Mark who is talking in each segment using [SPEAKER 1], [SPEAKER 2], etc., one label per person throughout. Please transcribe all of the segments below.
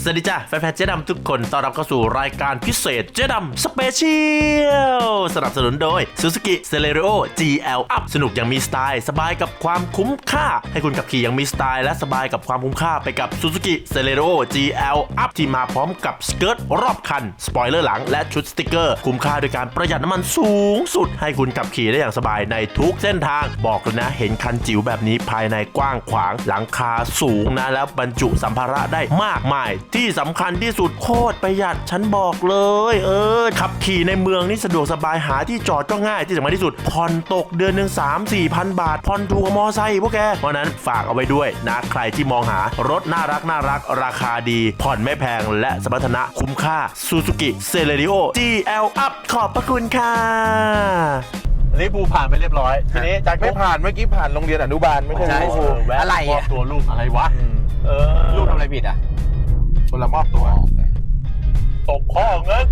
[SPEAKER 1] วัสดีจ้าแฟนๆเจ๊ดำทุกคนต้อนรับเข้าสู่รายการพิเศษเจ๊ดำสเปเชียลสนับสนุนโดย Suzuki Celerio GL Up สนุกอย่างมีสไตล์สบายกับความคุ้มค่าให้คุณขับขี่อย่างมีสไตล์และสบายกับความคุ้มค่าไปกับ Suzuki Celerio GL Up ที่มาพร้อมกับสเกิร์ตรอบคันสปอยเลอร์หลังและชุดสติกเกอร์คุ้มค่าโดยการประหยัดน้ำมันสูงสุดให้คุณขับขี่ได้อย่างสบายในทุกเส้นทางบอกเลยนะเห็นคันจิ๋วแบบนี้ภายในกว้างขวางหลังคาสูงนะแล้วบรรจุสัมภาระได้มากมายที่สำคัญที่สุดโคตรประหยัดฉันบอกเลยขับขี่ในเมืองนี่สะดวกสบายหาที่จอดก็ง่ายที่สำคัญที่สุดผ่อนตกเดือนหนึ่ง 3-4 พันบาทผ่อนถูกกว่ามอไซค์พวกแกเพราะนั้นฝากเอาไว้ด้วยนะใครที่มองหารถน่ารักราคาดีผ่อนไม่แพงและสมรรถนะคุ้มค่า Suzuki Celerio GL Up ขอบพระคุณค่ะนี่ภูผ่านไปเรียบร้อยทีนี้จาก
[SPEAKER 2] ไม่ผ่านเมื่อกี้ผ่านโรงเรียนอนุบาลไม่ใช่
[SPEAKER 1] อะไรตัวลูกอะไรวะ
[SPEAKER 3] ลูกทำอะไรผิดอ่ะ
[SPEAKER 2] คนละมอบตัว
[SPEAKER 1] ตกข้อเงิน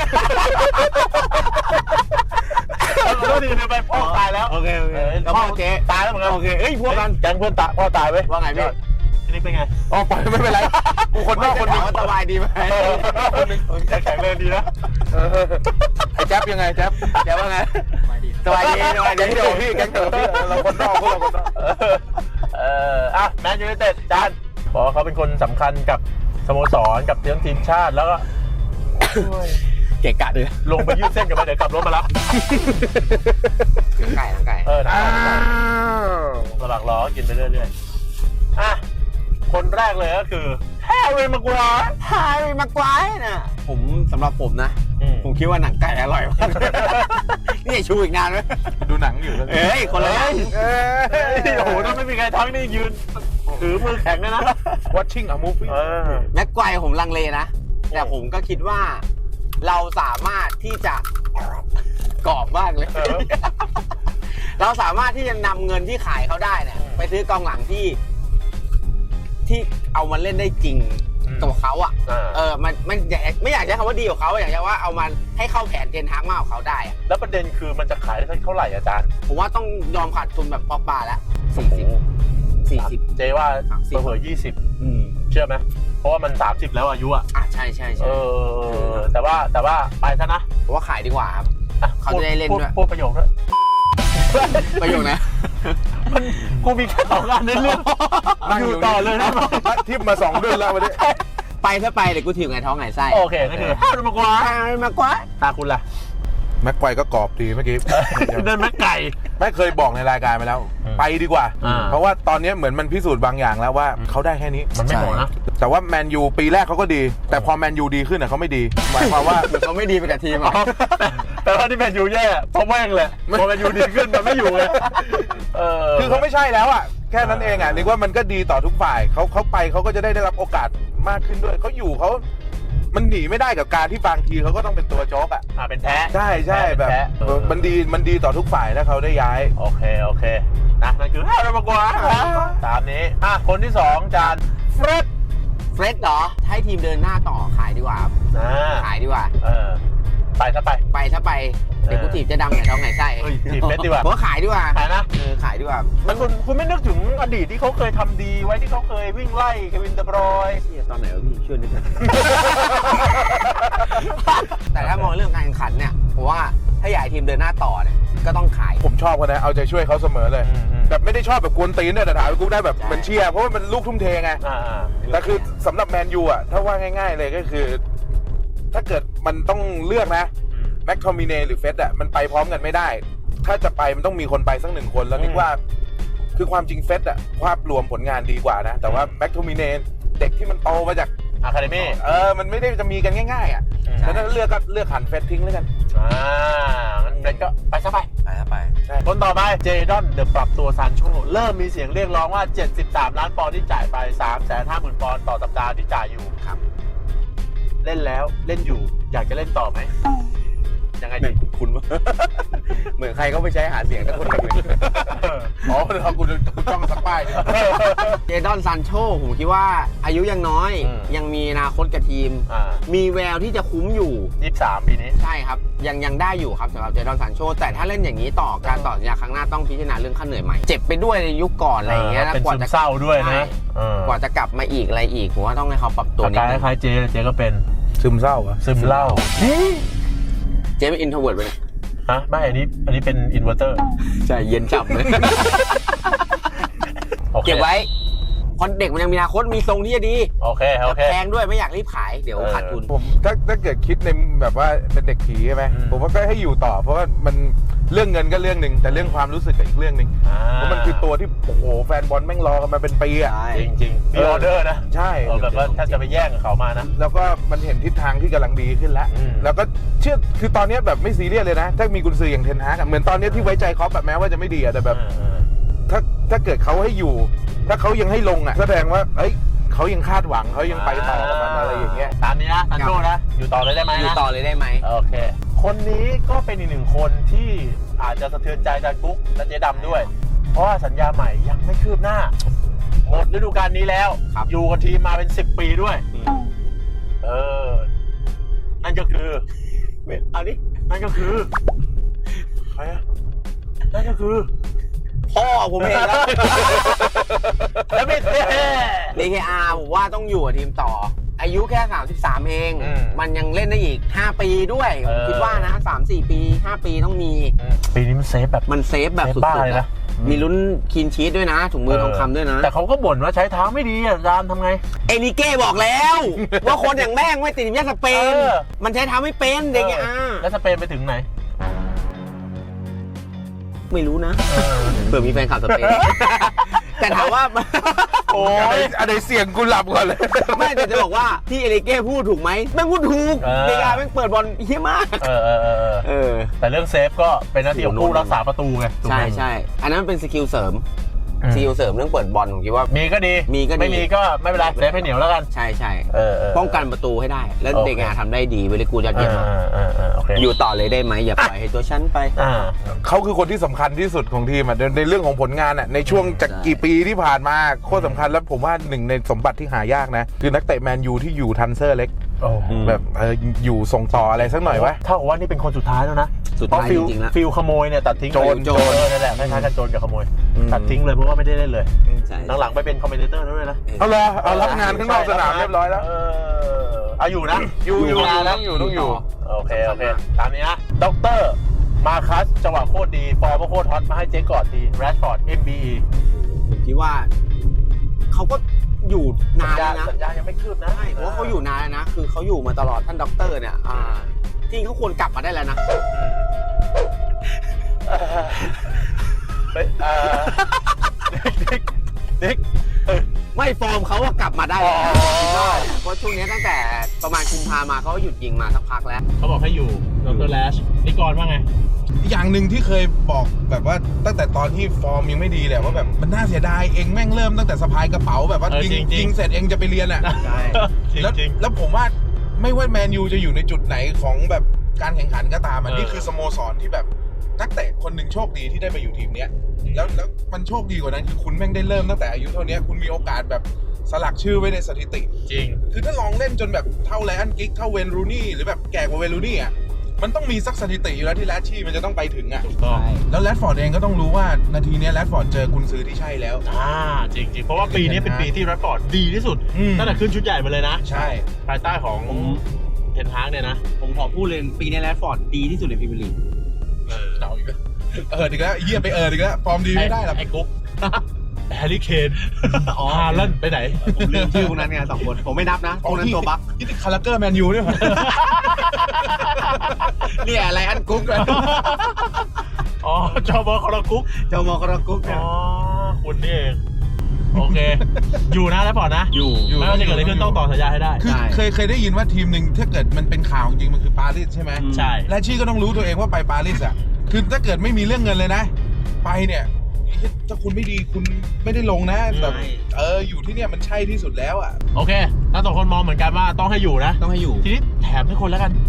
[SPEAKER 1] แล้วดีไปพ่อตายแล้ว
[SPEAKER 3] โอเคแล้วพ่อเจ๊
[SPEAKER 1] ตายแล้วเหมือนกัน
[SPEAKER 3] โอเคเอ้ยพวกกัน
[SPEAKER 1] แก๊งเพื่อนตายพ่อตายไว้
[SPEAKER 3] ว่าไงพี่
[SPEAKER 1] ทีนี้เป็นไง
[SPEAKER 2] อ๋อปล่อยไม่เป็นไรกูคนนอกคนนึง
[SPEAKER 3] สบายดีไหม
[SPEAKER 1] คนนึงแข็งแรงดีนะ
[SPEAKER 2] ไอ้แจ๊บยังไงแจ๊บ
[SPEAKER 3] ว่าไงสบายดี
[SPEAKER 2] แก๊งเดียวพี่แก๊งเดียวพี่เราคนนอกพวกเราคนนอก
[SPEAKER 1] แมนยูไนเต็ดจานบอกว่าเขาเป็นคนสำคัญกับสโมสรกับทีมชาติแล้วก็
[SPEAKER 3] เกะกะด้วย
[SPEAKER 1] ลงไปยืดเส้นกันมาเดี๋ยวขับรถมารับ
[SPEAKER 3] ไก่
[SPEAKER 1] สลักล้อกินไปเรื่อยๆคนแรกเลยก็คือแฮร์รี่แม็กไกวร์
[SPEAKER 3] น่ะผมสำหรับผมนะผมคิดว่าหนังไก่อร่อยมากนี่ชูอีกนานไหม
[SPEAKER 2] ดูหนังอยู่แล้ว
[SPEAKER 3] คนละ
[SPEAKER 1] โอ้โหถ้าไม่มีใครทั้งนี่ยืนถือมือแข็งเลยนะ
[SPEAKER 2] watching a movie
[SPEAKER 3] แม็กไกวร์ผมลังเลนะแต่ผมก็คิดว่าเราสามารถที่จะกรอบมากเลยเราสามารถที่จะนำเงินที่ขายเขาได้เนี่ยไปซื้อกองหลังที่เอามาเล่นได้จริงกับเขาอ่ะมันไม่อยากใช้คำว่าดีกว่าเขาอยากจะว่าเอามันให้เข้าแผนเทนฮากมากกว่าเขาได้
[SPEAKER 1] แล้วประเด็นคือมันจะขายได้เท่าไหร่อาจารย์
[SPEAKER 3] ผมว่าต้องยอมขาดทุนแบบป๊อกบาแล้ว40
[SPEAKER 1] เจว่าเผลอ20เชื่อไหมเพราะว่ามัน30แล้วอายุ
[SPEAKER 3] ใช่
[SPEAKER 1] แต่ว่าไปซะนะ
[SPEAKER 3] ผมว่าขายดีกว่าครับเขาจะได้เล่นด้วย
[SPEAKER 1] พูดประโยคด้วย
[SPEAKER 3] ประโยคนะ
[SPEAKER 1] มันกูมีแค่2 งานในเรื่องอยู่ต่อเลยนะ
[SPEAKER 2] ทิปมา2 เดือนแล้ววันนี้
[SPEAKER 3] ไปถ้าไปเดี๋ยวกูถีบไงท้องไงไส้
[SPEAKER 1] โอเคนั่นคือแฮร์รี่แม็กไกวร์ตาคุณล่ะ
[SPEAKER 2] แม็กไกวร์ก็กรอบดีเมื่อกี้
[SPEAKER 1] เดินแม็กไก่
[SPEAKER 2] ไม่เคยบอกในรายการไปแล้วไปดีกว่าเพราะว่าตอนนี้เหมือนมันพิสูจน์บางอย่างแล้วว่าเขาได้แค่นี้
[SPEAKER 1] มันไม่หมดนะ
[SPEAKER 2] แต่ว่าแมนยูปีแรกเขาก็ดีแต่พอแมนยูดีขึ้นเขาไม่ดีหมายความว่า
[SPEAKER 3] เขาไม่ดีไปกับทีม
[SPEAKER 1] แต่ว่าที่แมนยูแย่เพราะแม่งเลยพอแมนยูดีขึ้นมันไม่อยู่เลย
[SPEAKER 2] คือเขาไม่ใช่แล้วแค่นั้นเองนึกว่ามันก็ดีต่อทุกฝ่ายเขาไปเขาก็จะได้รับโอกาสมากขึ้นด้วยเขาอยู่เขามันหนีไม่ได้กับการที่บางทีเขาก็ต้องเป็นตัวโจ๊ก
[SPEAKER 1] เป็นแพ้
[SPEAKER 2] ใช่แบบมันดีต่อทุกฝ่ายถ้าเขาได้ย้าย
[SPEAKER 1] โอเคนะนั่นคือแฮร์รี่แม็กไกวร์ตามนี้คนที่2จานเฟร็ด
[SPEAKER 3] เหรอให้ทีมเดินหน้าต่อขายดีกว่าขายดีกว่า
[SPEAKER 1] ไปถ้าไป
[SPEAKER 3] เดี๋ยวกูถีบจะดำไงท้องไงไส้
[SPEAKER 1] ถีบเฟร็ดดีกว่า
[SPEAKER 3] ผมขายดีกว่า
[SPEAKER 1] ขายนะ
[SPEAKER 3] ขายดีกว่า
[SPEAKER 1] มันคุณไม่นึกถึงอดีตที่เขาเคยทำดีไว้ที่เขาเคยวิ่งไล่เควินเดบรอยน์
[SPEAKER 3] ตอนไหนวะพี่ช่วยนิดนึงแต่ถ้ามองเรื่องการแข่งขันเนี่ยผมว่าถ้าอยากให้ทีมเดินหน้าต่อเนี่ยก็ต้องขาย
[SPEAKER 2] ผมชอบเขานะเอาใจช่วยเขาเสมอเลยแบบไม่ได้ชอบแบบกวนตีนเนี่ยแต่ถามกูได้แบบมันเชียร์เพราะว่ามันลูกทุ่มเทไงแต่คือสำหรับแมนยูถ้าว่าง่ายๆเลยก็คือถ้าเกิดมันต้องเลือกนะแม็กโทมิเน่หรือเฟสมันไปพร้อมกันไม่ได้ถ้าจะไปมันต้องมีคนไปสัก1 คนแล้วนึกว่าคือความจริงเฟสภาพรวมผลงานดีกว่านะแต่ว่าแม็กโทมิเน่เด็กที่มันโตมาจาก
[SPEAKER 1] อะคาเดมี่
[SPEAKER 2] มันไม่ได้จะมีกันง่ายๆแล้วถ้าเลือกหันเฟสทิ้งแล้วกัน
[SPEAKER 1] งั้นเฟสก็ไปซะไปคนต่อไปเจดอนเดอะปรับตัวซานโชเริ่มมีเสียงเรียกร้องว่า73 ล้านปอนด์ที่จ่ายไป 350,000 ปอนด์ต่อสัปดาห์ที่จ่ายอยู่ครับเล่นแล้วเล่นอยู่อยากจะเล่นต่อไหมยังไง
[SPEAKER 3] เหมื
[SPEAKER 1] ดี
[SPEAKER 3] อนคุณวะ เหมือนใครก็ไปใช้หาเสียงแต่คนหนึ่งเลย
[SPEAKER 2] อ๋อเรากูจ้องสักป้ายเนี่ย
[SPEAKER 3] เจดอนซานโชผมคิดว่าอายุยังน้อย ยังมีอนาคตกับทีม มีแววที่จะคุ้มอยู่
[SPEAKER 1] 23 ปีนี้
[SPEAKER 3] ใช่ครับยังได้อยู่ครับสำหรับเจดอนซานโชแต่ถ้าเล่นอย่างนี้ต่อการต่อสัญญาครั้งหน้าต้องพิจารณาเรื่องค่าเหนื่อยใหม่เจ็บไปด้วยในยุคก่อนอะไรอย่างเงี้ย
[SPEAKER 1] เป็น
[SPEAKER 3] กว่า
[SPEAKER 1] ซึม
[SPEAKER 3] จะ
[SPEAKER 1] เศร้าด้วย
[SPEAKER 3] ใช่
[SPEAKER 1] นะ
[SPEAKER 3] กว่าจะกลับมาอีกอะไรอีกผมว่าต้องให้เขาปรับตัว
[SPEAKER 1] อา
[SPEAKER 3] นิด
[SPEAKER 1] การ
[SPEAKER 3] นึง
[SPEAKER 1] คล้ายๆเจก็เป็น
[SPEAKER 2] ซึมเศร้าอะ
[SPEAKER 1] ซึมเหล้า
[SPEAKER 3] เจเป็นอินโทรเวิร์ดไปเลย
[SPEAKER 1] ฮะไม่อันนี้เป็นอินเวอร์เตอร์
[SPEAKER 3] ใช่เย็นฉ่ำเลย
[SPEAKER 1] โอเค
[SPEAKER 3] เก็บไว้เพราะเด็กมันยังมีอนาคตมีทรงที่จะดี
[SPEAKER 1] โอเคโอเค
[SPEAKER 3] แพงด้วยไม่อยากรีบขายเดี๋ยวขาดทุน
[SPEAKER 2] ผมถ้าเกิดคิดในแบบว่าเป็นเด็กผีใช่ไหมผมว่าก็ให้อยู่ต่อ เพราะว่ามันเรื่องเงินก็เรื่องหนึ่งแต่เรื่องความรู้สึกก็อีกเรื่องหนึ่งเพราะมันคือตัวที่โอ้โหแฟนบอลแม่งรอกันมาเป็นปีอะ
[SPEAKER 1] จริงๆมีออเดอร์นะ
[SPEAKER 2] ใช่
[SPEAKER 1] แบบว่าถ้าจะไปแย่งกับเขามานะ
[SPEAKER 2] แล้วก็มันเห็นทิศทางที่กำลังดีขึ้นแล้ว แล้วก็เชื่อคือตอนนี้แบบไม่ซีเรียสเลยนะ ถ้ามีกุญซืออย่างเทนฮากเหมือนตอนนี้ที่ไว้ใจคล็อปแบบแม้ว่าจะไม่ดีอะแต่แบบถ้าเกิดเขาให้อยู่ ถ้าเขายังให้ลงอะแสดงว่าเอ้ยเขายังคาดหวังเขายังไปต่อกับมันอะไรอย่างเงี้ย
[SPEAKER 1] ตามนี้นะซันโชนะอยู่ต่อเลยได้ไหม
[SPEAKER 3] อยู่
[SPEAKER 1] นะ
[SPEAKER 3] ต่อเลยได้ไหม
[SPEAKER 1] โอเค คนนี้ก็เป็นอีกหนึ่งคนที่อาจจะสะเทือนใจอาจารย์กุ๊กและเจ๊ดำด้วย เพราะว่าสัญญาใหม่ยังไม่คืบหน้า หมดฤดูกาลนี้แล้ว อยู่กับทีมมาเป็น10 ปีด้วย นั่นก็คือ
[SPEAKER 3] เอาดิ
[SPEAKER 1] นั่นก็คือใครอะนั่นก็คือ
[SPEAKER 3] พ่อผมเองแล้ว
[SPEAKER 1] แล้วไม่เท่
[SPEAKER 3] DKR ผมว่าต้องอยู่กับทีมต่อ อายุแค่33เอง มันยังเล่นได้อีก5ปีด้วยผมคิดว่านะ3-4 ปี5ปีต้องมี
[SPEAKER 1] ปีนี้มันเซฟแบบ
[SPEAKER 3] มันเซฟแบบสุ
[SPEAKER 1] บ้า
[SPEAKER 3] ด
[SPEAKER 1] เลย
[SPEAKER 3] ๆ
[SPEAKER 1] นะ
[SPEAKER 3] อะมีลุ้นคีนชีสด้วยนะถุงมือทองคำด้วยนะ
[SPEAKER 1] แต่เขาก็บ่นว่าใช้เท้าไม่ดีอ่ะอาจารย์ทำไง
[SPEAKER 3] เอลิเก้บอกแล้ว ว่าคนอย่างแม่งไม่ติดทีมชาติสเปน
[SPEAKER 1] เออ
[SPEAKER 3] มันใช้เท้าไม่เป็นเด็กอ่ะ
[SPEAKER 1] แล้วสเปนไปถึงไหน
[SPEAKER 3] ไม่รู้นะเผื่อมีแฟนข่าวสเปน แต่ถามว่า
[SPEAKER 2] โอ้ยอะไรเสียงกูหลับก่อนเลย
[SPEAKER 3] ไม่แต่จะบอกว่าที่เอลิเก้พูดถูกไหมแม่งพูดถูก
[SPEAKER 1] เออ
[SPEAKER 3] เด็กอ่ะแม่งเปิดบอลเฮี้ยมาก เออ
[SPEAKER 1] แต่เรื่องเซฟก็เป็นหน้าที่ของผู้รักษาประตูไงถูกไห
[SPEAKER 3] ใช่
[SPEAKER 1] ม
[SPEAKER 3] ใช่อันนั้นเป็นสกิลเสริมสกิลเสริมเรื่องเปิดบอลผมคิดว่า
[SPEAKER 1] มีก็ดี
[SPEAKER 3] มีก็ดี
[SPEAKER 1] ไม่มีก็ไม่เป็นไรเซฟให้เหนียวแล้วกัน
[SPEAKER 3] ใช่ใช่
[SPEAKER 1] เออ
[SPEAKER 3] ป้องกันประตูให้ได้ แล้ว
[SPEAKER 1] โอเค
[SPEAKER 3] เด็กอ่ะทำได้ดีเวลิกูยอดเยี่ยมมาก
[SPEAKER 1] โอเค
[SPEAKER 3] อยู่ต่อเลยได้ไหมอย่าปล่อยให้ตัวฉันไป
[SPEAKER 2] เขาคือคนที่สำคัญที่สุดของทีมอ่ะในเรื่องของผลงานอ่ะในช่วงจากกี่ปีที่ผ่านมาโคตรสำคัญแล้วผมว่าหนึ่งในสมบัติที่หายากนะ คือนักเตะแมนยูที่อยู่ทันเซอร์เล็ก แบบอยู่ส่งต่ออะไรสักหน่อยวะ
[SPEAKER 1] เท่ากับว่านี่เป็นคนสุดท้ายแล้วนะ
[SPEAKER 3] สุดท้าย
[SPEAKER 1] เพราะ
[SPEAKER 3] จริงๆแล้ว
[SPEAKER 1] ฟิลขโมยเนี่ยตัดทิ้ง
[SPEAKER 2] โจร
[SPEAKER 1] นั่นแหละคล้ายๆกันโจรกับขโมย ตัดทิ้งเลยเพราะว่าไม่ได้เล่นเลย
[SPEAKER 3] ใช่
[SPEAKER 1] หลังๆไปเป็นคอมเมนเตอร์แล้วด้วยนะ
[SPEAKER 2] เอาละเอารับงานข้างนอกสนามเรียบร้อยแล้ว
[SPEAKER 1] เอาอยู่นะ
[SPEAKER 2] อยู่
[SPEAKER 1] นะ
[SPEAKER 2] ต้องอยู่
[SPEAKER 1] โอเคตามนี้นะด็อกเตอร์มาคัสจังหวะโคตรดีฟอร์มก็โคตรฮอตมาให้เจ๊กอดทีแรชฟอร์ด MBE
[SPEAKER 3] ผมคิดว่าเขาก็อยู่นานแล้วนะ
[SPEAKER 1] สัญญายังไม่คืบนะ
[SPEAKER 3] ใช่เพราะว่าเขาอยู่นานแล้วนะ คือเขาอยู่มาตลอดท่านด็อกเตอร์เนี่ยจริงเขาควรกลับมาได้แล้วนะ
[SPEAKER 1] เด็ก
[SPEAKER 3] ไม่ฟอร์มเขาว่ากลับมาได้แล้วคิดว่าเพราะช่วงนี้ตั้งแต่ประมาณกุมภามาเขาก็หยุดยิงมาสักพักแล้ว
[SPEAKER 1] เขาบอกให้อยู่ดรแลชนิกรว่าไง
[SPEAKER 2] อย่างหนึ่งที่เคยบอกแบบว่าตั้งแต่ตอนที่ฟอร์มยังไม่ดีแหละว่าแบบมันน่าเสียดายเองแม่งเริ่มตั้งแต่สะพายกระเป๋าแบบว่ายิงเสร็จเองจะไปเรียนอ่ะ
[SPEAKER 3] ใช่
[SPEAKER 2] แล้วผมว่าไม่ว่าแมนยูจะอยู่ในจุดไหนของแบบการแข่งขันก็ตามนี่คือสโมสรที่แบบนักเตะคนหนึ่งโชคดีที่ได้มาอยู่ทีมเนี้ยแล้วมันโชคดีกว่านั้นคือคุณแม่งได้เริ่มตั้งแต่อายุเท่านี้คุณมีโอกาสแบบสลักชื่อไว้ในสถิติ
[SPEAKER 1] จริง
[SPEAKER 2] คือถ้าลองเล่นจนแบบเท่าแลนกิกเท่าเวนรูนี่หรือแบบแก่กว่าเวนรูนี่อ่ะมันต้องมีสักสถิติอยู่แล้วที่แรชชี่มันจะต้องไปถึงอ่ะ
[SPEAKER 1] ถูกต้อง
[SPEAKER 2] แล้วแรดฟอร์ดเองก็ต้องรู้ว่านาทีนี้แรดฟอร์ดเจอกุนซือที่ใช่แล้ว
[SPEAKER 1] จริงเพราะว่าปีนี้เป็นปีที่แรชฟอร์ดดีที่สุดตั้งแต่ขึ้นชุดใหญ่มาเลยนะ
[SPEAKER 2] ใช่
[SPEAKER 1] ภายใต้ของเทนฮากเนี่ยนะ
[SPEAKER 3] ผมขอพูดเลยปีนี้แรดฟอร์ดดีที่สุดในพรีเมียร์ลีก
[SPEAKER 2] เอาอีกแล้วอีกแล้วเยี่ยไปอีกแล้วฟอร์มดีไม่ได้หรอก
[SPEAKER 1] ไอ้กุ๊กแฮร์รี่เคนฮาลันด์ไปไหน
[SPEAKER 3] ผมลืมชื่อพวกนั้นไง2 คน ผมไม่นับนะพวกนั้นตัวบั๊ก
[SPEAKER 2] ที่คาราเกอร์แมนยูด้วย
[SPEAKER 3] เนี่ยอะไรอันกุ๊กเลย
[SPEAKER 1] อ๋อจอบอคอร์กุ๊ก
[SPEAKER 3] เจ้ามอคารากุ๊กเนี่ย
[SPEAKER 1] อ๋อคุณนี่เองโอเค อยู่นะแล้วปอดนะ
[SPEAKER 3] อยู่
[SPEAKER 1] ไม่ว่าจะเกิดอะไรขึ้นต้องต่อสัญญาให้ได้
[SPEAKER 2] คือเคยได้ยินว่าทีมหนึ่งถ้าเกิดมันเป็นข่าวจริงมันคือปารีสใช่ไหม
[SPEAKER 1] ใช่
[SPEAKER 2] แรชชี่ก็ต้องรู้ตัวเองว่าไปปารีสอ่ะคือถ้าเกิดไม่มีเรื่องเงินเลยนะ ไปเนี่ยถ้าคุณไม่ดีคุณไม่ได้ลงนะแต่อยู่ที่เนี่ยมันใช่ที่สุดแล้วอ่ะ
[SPEAKER 1] โอเคทั้งสองคนมองเหมือนกันว่าต้องให้อยู่นะ
[SPEAKER 3] ต้องให้อยู่
[SPEAKER 1] ทีนี้แถมให้คนแล้วกัน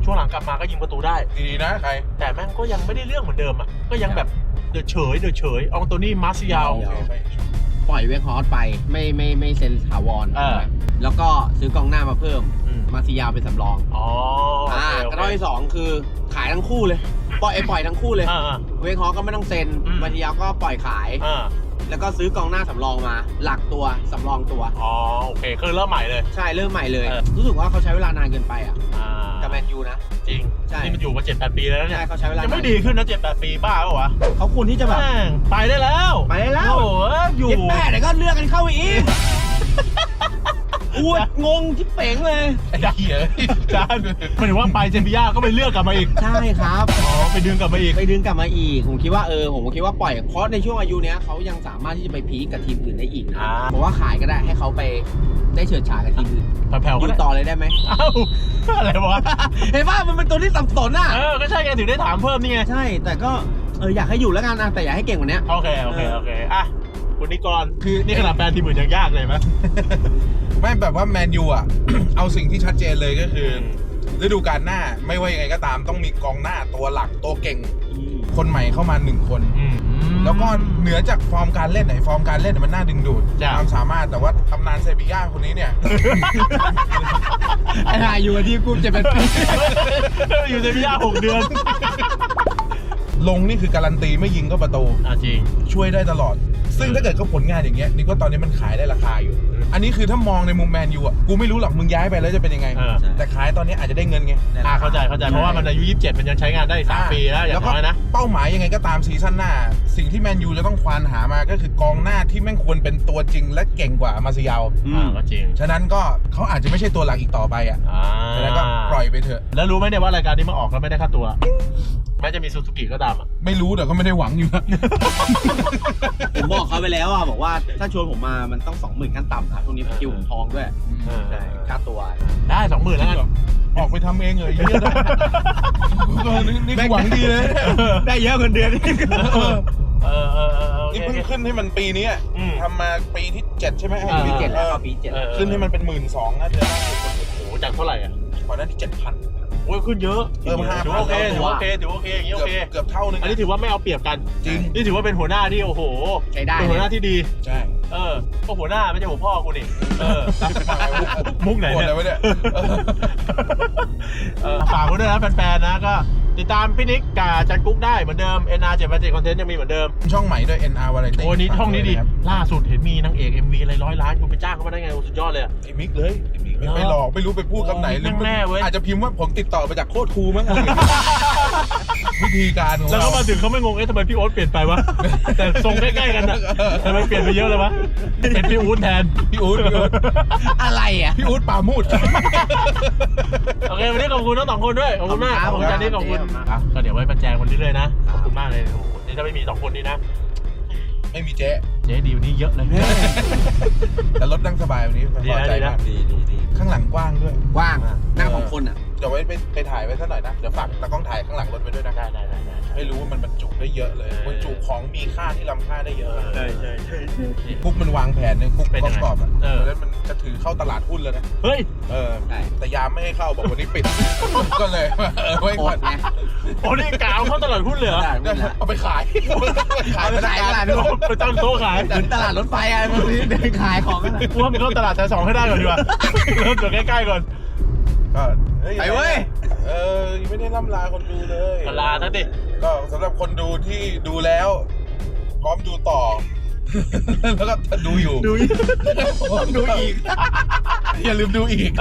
[SPEAKER 1] ช่วงหลังกลับมาก็ยิงประตูได้
[SPEAKER 2] ดีนะใคร
[SPEAKER 1] แต่แม่งก็ยังไม่ได้เรื่องเหมือนเดิมอ่ะก็ยังแบบเดือดเฉยอองโตนี่มาร์ซิยาล
[SPEAKER 3] ปล่อยเวคฮอร์สไปไม่เซ็นถาวร แล้วก็ซื้อกองหน้ามาเพิ่มมาซิยาวเป็นสำรอง
[SPEAKER 1] อ๋อโอเค
[SPEAKER 3] กระด้อยที่สองคือขายทั้งคู่เลยปล่อยทั้งคู่เลยเวคฮอร์สก็ไม่ต้องเซ็นมาซิยาวก็ปล่อยขายแล้วก็ซื้อกองหน้าสำรองมาหลักตัวสำรองตัว
[SPEAKER 1] อ๋อโอเคคือเริ่มใหม่เลย
[SPEAKER 3] ใช่เริ่มใหม่เลยรู้สึกว่าเขาใช้เวลานานเกินไปอ่ะกับแมนยูนะ
[SPEAKER 1] จริง
[SPEAKER 3] ใช่
[SPEAKER 1] นี่มันอยู่มา 7-8 ปีแล้วเนี่ย
[SPEAKER 3] ใช่เขาใช้เวลา
[SPEAKER 1] ยังไม่ดีขึ้นนะ 7-8 ปีบ้าเปล่าวะ
[SPEAKER 3] เขาควรที่จะแบบ
[SPEAKER 1] แม่งไปได้แล้ว
[SPEAKER 3] ไปได้แล้ว
[SPEAKER 1] โอ้โหอยู่
[SPEAKER 3] เย็ดแม่เดี๋ยวก็เลือกกันเข้าไปอีกอวดงงที่เป๋งเลย
[SPEAKER 1] ไอ้เหี้ยจานหมายถึงว่าไปเซบีย่าก็ไปเลือกกลับมาอีก
[SPEAKER 3] ใช่ครับ
[SPEAKER 1] อ๋อไปดึงกลับมาอีก
[SPEAKER 3] ไปดึงกลับมาอีกผมคิดว่าผมคิดว่าปล่อยเพราะในช่วงอายุเนี้ยเขายังสามารถที่จะไปพีคกับทีมอื่นได้อีกนะผมว่าขายก็ได้ให้เขาไปได้เฉิดฉายกับทีมอื่น
[SPEAKER 1] แผ่วๆ
[SPEAKER 3] อ
[SPEAKER 1] ก็
[SPEAKER 3] ยู่
[SPEAKER 1] ได้
[SPEAKER 3] ต่อเลยได้ไหม
[SPEAKER 1] เอ้าอะไรวะ
[SPEAKER 3] เห็นป่ะมันเป็นตัวที่สับสนอ่ะ
[SPEAKER 1] ก็ใช่ไงถึงได้ถามเพิ่มนี่ไง
[SPEAKER 3] ใช่แต่ก็อยากให้อยู่แล้วกันนะแต่อยากให้เก่งกว่านี้
[SPEAKER 1] โอเคอ่ะคุณนิกรคือนี่ขนาดแฟนทีมอื่นยังยากเลยไหม
[SPEAKER 2] ไม่แบบว่าแมนยูอ่ะ เอาสิ่งที่ชัดเจนเลยก็คือฤดูกาลหน้าไม่ว่ายังไงก็ตามต้องมีกองหน้าตัวหลักตัวเก่ง คนใหม่เข้ามา1 คน แล้วก็เหนือจากฟอร์มการเล่นไหนฟอร์มการเล่นมันน่าดึงดูดความสามารถแต่ว่าตำนานเซบีย่าคนนี้เนี่ย
[SPEAKER 3] ไอ้นายอยู่กับทีมกูจะเป็นปี
[SPEAKER 1] อยู่เซบีย่า6 เดือน
[SPEAKER 2] ลงนี่คือการันตีไม่ยิงก็ประตู
[SPEAKER 1] จริง
[SPEAKER 2] ช่วยได้ตลอด ซึ่งถ้าเกิดเขาผลงานอย่างเงี้ยนี่ก็ตอนนี้มันขายได้ราคาอยู่ อันนี้คือถ้ามองในมุมแมนยูอ่ะกูไม่รู้หรอกมึงย้ายไปแล้วจะเป็นยังไง แต่ขายตอนนี้อาจจะได้เงินไง
[SPEAKER 1] เข้าใจเพราะว่ามันอายุ 27 มันยังใช้งานได้อีก3 ปีแล้วอย่างน้อยนะ
[SPEAKER 2] เป้าหมายยังไงก็ตามซีซั่นหน้า สิ่งที่แมนยูจะต้องควานหามาก็คือกองหน้าที่แม่งควรเป็นตัวจริงและเก่งกว่ามาซิยาว
[SPEAKER 1] ก็จริง
[SPEAKER 2] ฉะนั้นก็เขาอาจจะไม่ใช่ตัวหลักอีกต่อไปอ่ะฉะนั้นก็ปล่อยไปเถอะ
[SPEAKER 1] แล้วรู้ไหมเนี่ยว่ารายการนี้มาออกแล้วไม่ได้ค่าตัว แม้จะมีซูซูกิก็ตามอ่ะ
[SPEAKER 2] ไม่รู้แต่ก็ไม่ได้หวังอยู่นะ
[SPEAKER 3] ผมบอกเขาไปแล้วอ่ะบอกว่าถ้าชวนผมมามันต้อง 20,000 ขั้นต่ำนะช่วงนี้คิวผมทองด้วยใช่ค่าตัว
[SPEAKER 1] ได้ 20,000 แล้วกัน
[SPEAKER 2] ออกไปทำเองเลยเยอะนะนี่หวังดีเลย
[SPEAKER 3] ได้เยอะเงินเดือน
[SPEAKER 2] นี่เพิ่งขึ้นให้มันปีนี้ทำมาปีที่ 7 ใช่ไหม
[SPEAKER 3] ปี7แล้วปี7
[SPEAKER 2] ขึ้นให้มันเป็น 12,000นะเดือน
[SPEAKER 1] โอ้โหจากเท่าไหร่อ่ะ
[SPEAKER 2] ก่อนหน้าที่ 7,000
[SPEAKER 1] โอ้ยขึ้นเยอะ
[SPEAKER 2] 5,000
[SPEAKER 1] ถือว่าโอเคอย่างนี้โอเค
[SPEAKER 2] เกือบเท่านึง
[SPEAKER 1] อันนี้ถือว่าไม่เอาเปรียบกัน
[SPEAKER 2] จริง
[SPEAKER 1] นี่ถือว่าเป็นหัวหน้าที่โอ้โห
[SPEAKER 3] ใช้ได้
[SPEAKER 1] เป็นหัวหน้าที่ดี
[SPEAKER 2] ใช่
[SPEAKER 1] ก็หัวหน้าไม่ใช่หัวพ่อกูนี่มุกไหนเนี่ยฝากไว้ด้วยนะแฟนๆนะก็ติดตามพี่นิกกับจันกุ๊กได้เหมือนเดิม NR787 Content ยังมีเหมือนเดิม
[SPEAKER 2] ช่องใหม่ด้วย NR Variety
[SPEAKER 1] โอ้นี่ช่องนี้ดีล่าสุดเห็นมีนางเอก MV อะไร100 ล้านคุณไปจ้างเขามาได้ไงสุดยอดเลย
[SPEAKER 2] ไอ้มิกเลยไม่หลอกไม่รู้ไปพูดคำไหนหรือ
[SPEAKER 1] แน่เว้ย
[SPEAKER 2] อาจจะพิมพ์ว่าผมติดต่อมาจากโคตรครูมั้ง วิธีการของ
[SPEAKER 1] แล้ว
[SPEAKER 2] เรา
[SPEAKER 1] เขามาถึงเขาไม่งงทำไมพี่โอ๊ตเปลี่ยนไปวะแต่ทรงใกล้ๆกันนะทำไมเปลี่ยนไปเยอะเลยวะเป็นพี่อู๊ดแทน
[SPEAKER 2] พี่อู๊ด
[SPEAKER 3] อะไรอ่ะ
[SPEAKER 2] พี่อู๊ดปามูด
[SPEAKER 1] โอเควันนี้ขอบคุณทั้ง2 คนด้วยขอบคุณมากขอบคุณจันนี่ขอบคุณก็เดี๋ยวไว้ประแจงวันนี้เลยนะขอบคุณมากเลยโอ้โหนี่ถ้าไม่มี2 คนนี้นะ
[SPEAKER 2] ไม่มีเจ๊
[SPEAKER 1] เจ๊ดีวันนี้เยอะเลย
[SPEAKER 2] แต่รถนั่งสบายวันนี้พอใจมาก
[SPEAKER 3] ดี
[SPEAKER 2] ข้างหลังกว้างด้วย
[SPEAKER 3] ว่างนั่งของคนอ่ะ
[SPEAKER 2] เดี๋ยวไว้ไปถ่ายไว้สักหน่อยนะเดี๋ยวฝากตากล้องถ่ายข้างหลังรถไว้ด้วยนะ
[SPEAKER 1] ได้
[SPEAKER 2] ไม่รู้ว่ามันบรรจุได้เยอะเลยบรรจุของมีค่าที่ล้ำค่าได้เยอะ
[SPEAKER 1] ใช่
[SPEAKER 2] กุ๊กมันวางแผนเนี่ยกุ๊ก
[SPEAKER 1] เป็นยังไง
[SPEAKER 2] กรอบอ่ะ
[SPEAKER 1] เออ
[SPEAKER 2] เพราะฉะนั้นมันจะถือเข้าตลาดหุ้นแล้วนะ
[SPEAKER 1] เฮ้ย
[SPEAKER 3] ใช่
[SPEAKER 2] แต่ยามไม่ให้เข้าบอกวันนี้ปิด ก็เลยไว้
[SPEAKER 3] โค
[SPEAKER 2] ก่อ
[SPEAKER 3] ต
[SPEAKER 2] น
[SPEAKER 3] รไง
[SPEAKER 1] โอ้นี่กาวเข้าตลาดหุ้นเลยเหรอ
[SPEAKER 2] เอาไปขาย
[SPEAKER 3] เอาไปขายตลาดด้วย
[SPEAKER 1] ไปตั้งโต๊ะขาย
[SPEAKER 3] เหมือนตลาดรถไฟอ่ะมันเดินขายของกัน
[SPEAKER 1] กูว่ามันเข้าตลาดชั้น 2ให้ได้ก่อนดีกว่าเริ่มจากใกล้ๆก่อน
[SPEAKER 2] ก็เฮ้ย
[SPEAKER 3] ไปเว้ย
[SPEAKER 2] ยังไม่ได้ล่ำลาคนดูเลย
[SPEAKER 1] ลาทั้งดิ
[SPEAKER 2] ก็สำหรับคนดูที่ดูแล้วพร้อมดูต่อ แล้วก็ดูอยู่
[SPEAKER 1] ดู
[SPEAKER 2] ดูอีก อย่าลืมดูอีก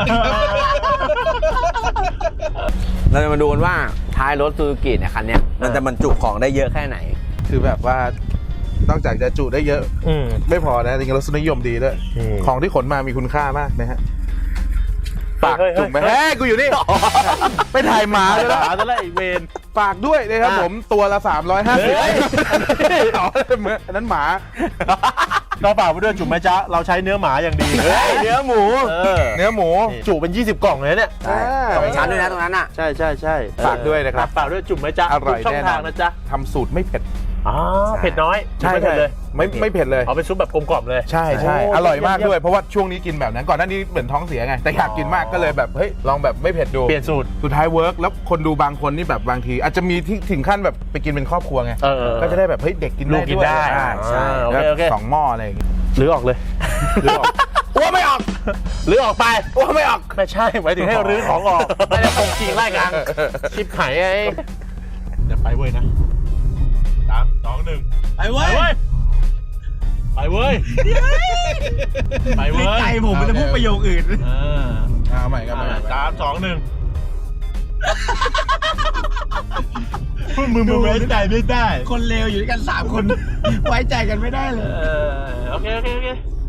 [SPEAKER 3] เราจะมาดูกันว่าท้ายรถซูซูกิเนี่ยคันเนี้ยมันจะบรรจุของได้เยอะแค่ไหน
[SPEAKER 2] คือแบบว่านอกจากจะจุได้เยอะไม่พอนะจริงๆรสนิยมดีด้วยของที่ขนมามีคุณค่ามากนะฮะฝากจุ่มไหมเฮ้ยกูอยู่นี่ไปถ่ายหมาแล้ว
[SPEAKER 1] จะไล่อีกเวน
[SPEAKER 2] ฝากด้วยนะครับผมตัวละ350อ๋ออันนั้นหมา
[SPEAKER 1] เราฝากไปด้วยจุ่มแม่จ๊ะเราใช้เนื้อหมาอย่างดีเนื้อหมูเนื้อหมูจุเป็น20 กล่องเลยเนี่ย
[SPEAKER 3] 2 ชั้นด้วยนะตรงนั้นอ่ะ
[SPEAKER 1] ใช่
[SPEAKER 2] ฝากด้วยนะครับ
[SPEAKER 1] ฝากด้วยจุ่มแม่จ๊ะ
[SPEAKER 2] อร่อย
[SPEAKER 1] ช่อง
[SPEAKER 2] แน่น
[SPEAKER 1] ทา
[SPEAKER 2] อง น
[SPEAKER 1] นะจ๊ะ
[SPEAKER 2] ทำสูตรไม่เผ็ด
[SPEAKER 1] อ๋อเผ็ดน้อย
[SPEAKER 2] ใช่
[SPEAKER 1] ไม่เผ็ดเลย
[SPEAKER 2] ไม่เผ็ดเลย
[SPEAKER 1] เอาเป็นซุปแบบกลมกล่อมเลย
[SPEAKER 2] ใช่ใช่
[SPEAKER 1] โอ้
[SPEAKER 2] อร่อยมาก
[SPEAKER 1] เยี่ยม
[SPEAKER 2] ด้วยเพราะว่าช่วงนี้กินแบบนั้นก่อนหน้านี้เหมือนท้องเสียไงแต่อยากกินมากก็เลยแบบเฮ้ยลองแบบไม่เผ็ดดู
[SPEAKER 1] เปลี่ยนสูตร
[SPEAKER 2] สุดท้ายเวิร์กแล้วคนดูบางคนนี่แบบบางที อาจจะมีที่ถึงขั้นแบบไปกินเป็นครอบครัวไง ก็จะได้แบบเฮ้ยเด็กกิน
[SPEAKER 1] ลู
[SPEAKER 2] ได้
[SPEAKER 1] กกิน
[SPEAKER 2] ด้วย
[SPEAKER 1] ได้
[SPEAKER 2] ใช่
[SPEAKER 1] โอเค
[SPEAKER 2] แล้ว
[SPEAKER 1] โอเค
[SPEAKER 2] สองหม้ออะไรอย่างเงี้ย
[SPEAKER 1] หรือออกเลย
[SPEAKER 2] หรือออกอ้วไม่ออก
[SPEAKER 1] หรือออกไป
[SPEAKER 2] อ้วไม่ออก
[SPEAKER 1] ไม่ใช่หมายถึงให้รื้อของออกไม่ได้ตรงจริงไล่กันชิบหายไงเดี๋ยวไปเว้ยนะ3 2 1
[SPEAKER 3] ไปเว้ย
[SPEAKER 1] ไปเว้ยไปเว้ย
[SPEAKER 3] ใจผมมันจะพูดประโยคอื่น
[SPEAKER 2] เอาใหม่กันใหม่
[SPEAKER 1] 3 2 1มึงไว้ใจไม่ได้
[SPEAKER 3] คนเลวอยู่ด้วยกัน3 คน ไว้ใจกันไม่ได้เลย
[SPEAKER 1] โอเค